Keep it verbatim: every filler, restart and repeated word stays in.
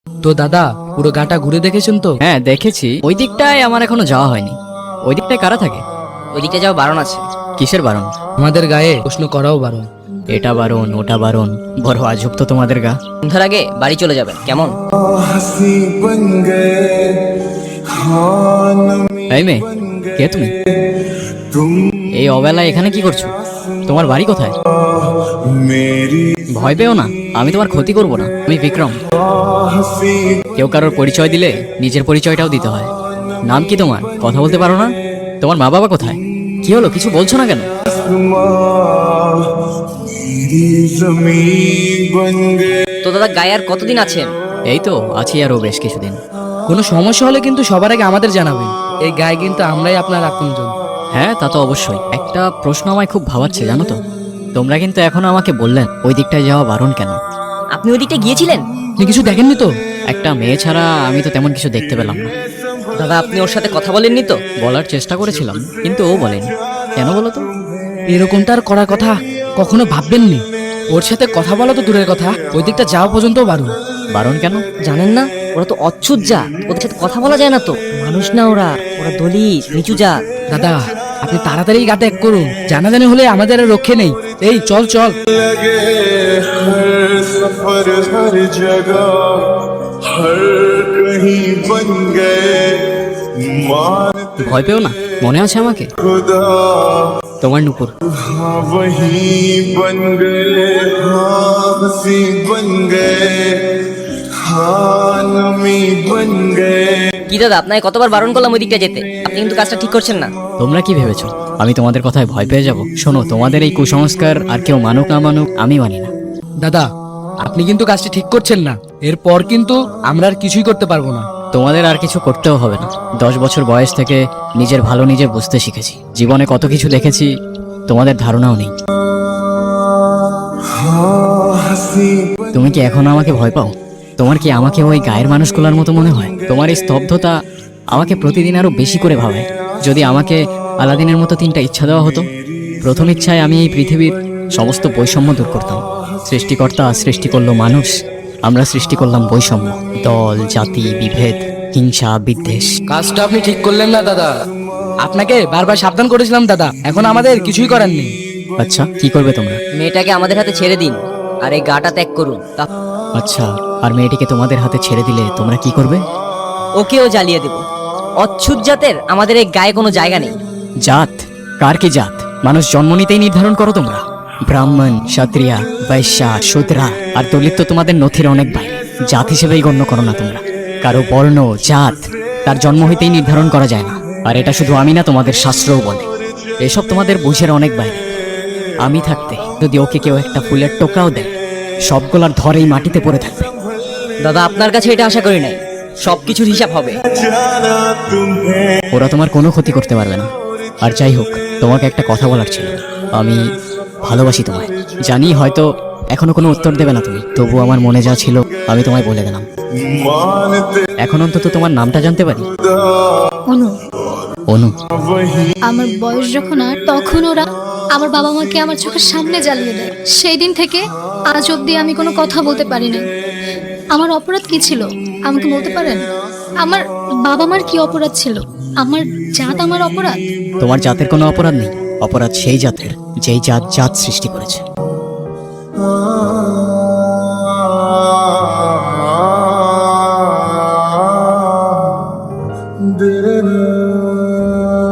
তো দাদা পুরো গাটা ঘুরে দেখেছেন তো? হ্যাঁ দেখেছি, ওই দিকটায় আমার এখনো যাওয়া হয়নি। ওই দিকটায় কারা থাকে? ওই দিকটা যাওয়া বারণ আছে। কিসের বারণ? আমাদের গায়ে প্রশ্ন করাও বারণ। এটা বারণ ওটা বারণ, বড় আজব তো তোমাদের গা। সন্ধ্যার আগে বাড়ি চলে যাবেন কেমন? এই মেয়ে, কে তুমি? এই অবেলায় এখানে কি করছো? তোমার বাড়ি কোথায়? ভয় পেও না, আমি তোমার ক্ষতি করব না। আমি বিক্রম। কেউ কারোর পরিচয় দিলে নিজের পরিচয়টাও দিতে হয়। নাম কি তোমার? কথা বলতে পারো না? তোমার মা বাবা কোথায়? কি হলো, কিছু বলছো না কেন? তো দাদা গায়ে আর কতদিন আছেন? এই তো আছি আরো বেশ কিছুদিন। কোনো সমস্যা হলে কিন্তু সবার আগে আমাদের জানাবেন। এই গায়ে কিন্তু আমরাই আপনার আপনজন। হ্যাঁ তা তো অবশ্যই। একটা প্রশ্ন আমায় খুব ভাবাচ্ছে জানো তো। তোমরা কিন্তু এখনো আমাকে বললেন ওই দিকটায় যাওয়া বারণ কেন? আপনি ওই দিকটা গিয়েছিলেন? আপনি কিছু দেখেননি তো? একটা মেয়ে ছাড়া আমি তো তেমন কিছু দেখতে পেলাম না। দাদা আপনি ওর সাথে কথা বলেননি তো? বলার চেষ্টা করেছিলাম কিন্তু ও বলেনি। কেন বলো তো? এরকমটা আর করার কথা কখনো ভাববেননি। ওর সাথে কথা বলা তো দূরের কথা, ওই দিকটা যাওয়া পর্যন্ত বারণ। বারণ কেন? জানেন না ওরা তো অচ্ছুত জাত, ওদের সাথে কথা বলা যায় না তো। মানুষ না ওরা, ওরা দলিত নিচু জাত। দাদা আপনি তাড়াতাড়ি গা ত্যাগ করুন, জানাজানি হলে আমাদের আর রক্ষে নেই। এই চল চল। लगे हर सफर हर जगह हर कहीं बन गए मानते ভয় পেও না, মনে আছে আমাকে? खुदा তোমার নুপুর। हाँ वही बन गए हाँ हंसी बन गए हाँ नमी बन गए। কি দাদা আপনাকে কতবার বারণ করলাম ওই দিকটা যেতে, আপনি কিন্তু কাজটা ঠিক করছেন না। তোমরা কি ভেবেছো আমি তোমাদের কথায় ভয় পেয়ে যাব? শোনো, তোমাদের এই কুসংস্কার আর কেউ মানুক না মানুক আমি মানি না। দাদা আপনি কিন্তু কাজটি ঠিক করছেন না, এরপর কিন্তু আমরা আর কিছুই করতে পারবো না। তোমাদের আর কিছু করতেও হবে না। দশ বছর বয়স থেকে নিজের ভালো নিজে বুঝতে শিখেছি। জীবনে কত কিছু দেখেছি তোমাদের ধারণাও নেই। हाँ हंसी তুমি কি এখনো আমাকে ভয় পাও? তোমার কি আমাকে ওই গায়ের মানুষগুলোর মতো মনে হয়? তোমার এই স্তব্ধতা আমাকে প্রতিদিন আরো বেশি করে ভাবায়। যদি আমাকে আলাদিনের মতো তিনটা ইচ্ছা দেওয়া হতো, প্রথম ইচ্ছায় আমি এই পৃথিবীর সমস্ত বৈষম্য দূর করতাম। সৃষ্টিকর্তা সৃষ্টি করলো মানুষ, আমরা সৃষ্টি করলাম বৈষম্য, দল জাতি বিভেদ হিংসা বিদ্বেষ। কাজটা আপনি ঠিক করলেন না দাদা, আপনাকে বারবার সাবধান করেছিলাম দাদা, এখন আমাদের কিছুই করার নেই। আচ্ছা কি করবে তোমরা? মেয়েটাকে আমাদের হাতে ছেড়ে দিন আর এই গাটা ত্যাগ করুন। তা আচ্ছা, আর মেয়েটিকে তোমাদের হাতে ছেড়ে দিলে তোমরা কি করবে? ওকেও জ্বালিয়ে দেব। অচ্ছুত জাতের আমাদের এই গায়ে কোনো জায়গা নেই। জাত? কার কি জাত? মানুষ জন্ম নিতেই নির্ধারণ করো তোমরা। ব্রাহ্মণ ক্ষত্রিয়া বৈশ্যা শূদ্রা আর দলিত তো তোমাদের নথির অনেক বাইরে। জাত হিসেবেই গণ্য করো না তোমরা। কারো বর্ণ জাত তার জন্ম হইতেই নির্ধারণ করা যায় না। আর এটা শুধু আমি না, তোমাদের শাস্ত্রও বলে। এসব তোমাদের বুঝের অনেক বাইরে। আমি থাকতে যদি ওকে কেউ একটা ফুলের টোকাও দেয়, সবগুলার ধরেই মাটিতে পড়ে থাকবে। দাদা আপনার কাছে এটা আশা করি নাই, সবকিছুর হিসাব হবে। जाना तुम्हें ওরা তোমার কোনো ক্ষতি করতে পারবে না। আর যাই হোক, তোমাকে একটা কথা বলার ছিল। আমি ভালোবাসি তোমায়। জানি হয়তো এখনো কোনো উত্তর দেবে না তুমি, তবু আমার মনে যা ছিল আমি তোমায় বলে দিলাম। मानते এখন অন্তত তোমার নামটা জানতে পারি। অনু। অনু। वही আমার বয়স যখন আর তখন ওরা আমার বাবা মাকে আমার চোখের সামনে জ্বালিয়ে দেয়। সেই দিন থেকে আজ অবধি আমি কোনো কথা বলতে পারি না। আমার অপরাধ কি ছিল আমাকে বলতে পারেন? আমার বাবা মার কি অপরাধ ছিল? আমার জাত আমার অপরাধ? তোমার জাতের কোনো অপরাধ নেই। অপরাধ সেই জাতের যেই জাত জাত সৃষ্টি করেছে। दिल